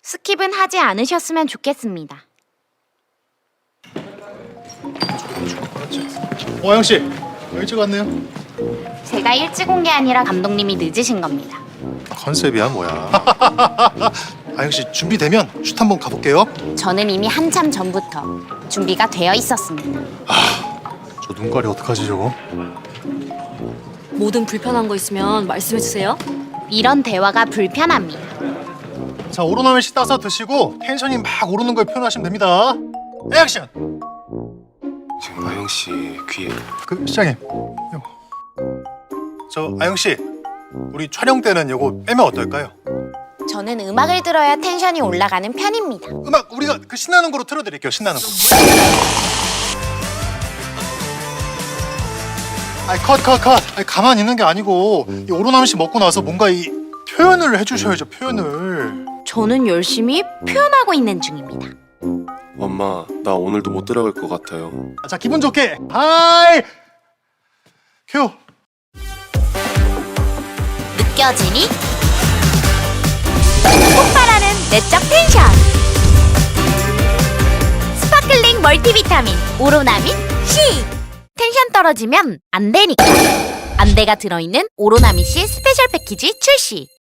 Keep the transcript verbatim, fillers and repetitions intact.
스킵은 하지 않으셨으면 좋겠습니다. 어, 아영 씨, 일찍 왔네요. 제가 일찍 온 게 아니라 감독님이 늦으신 겁니다. 컨셉이야 뭐야? 아영 씨 준비되면 슛 한번 가볼게요. 저는 이미 한참 전부터 준비가 되어 있었습니다. 저 눈깔이 어떡하지 저거? 뭐든 불편한 거 있으면 말씀해주세요. 이런 대화가 불편합니다. 자, 오로나밀 씨 따서 드시고 텐션이 막 오르는 걸 표현하시면 됩니다. 액션! 지금 아영 씨 귀에 그 시장님, 요거. 저 아영 씨, 우리 촬영 때는 요거 빼면 어떨까요? 저는 음악을 들어야 텐션이 올라가는 편입니다. 음악 우리가 그 신나는 거로 틀어드릴게요. 신나는 거. 아이 컷 컷 컷. 아이 가만히 있는 게 아니고 이 오로나밀 씨 먹고 나서 뭔가 이 표현을 해주셔야죠. 표현을. 저는 열심히 표현하고 있는 중입니다. 엄마 나 오늘도 못 들어갈 것 같아요. 자, 기분 좋게. 하이. 큐. 느껴지니? 폭발하는 내적 텐션! 스파클링 멀티비타민 오로나민 C! 텐션 떨어지면 안 되니까! 안대가 들어있는 오로나민 C 스페셜 패키지 출시!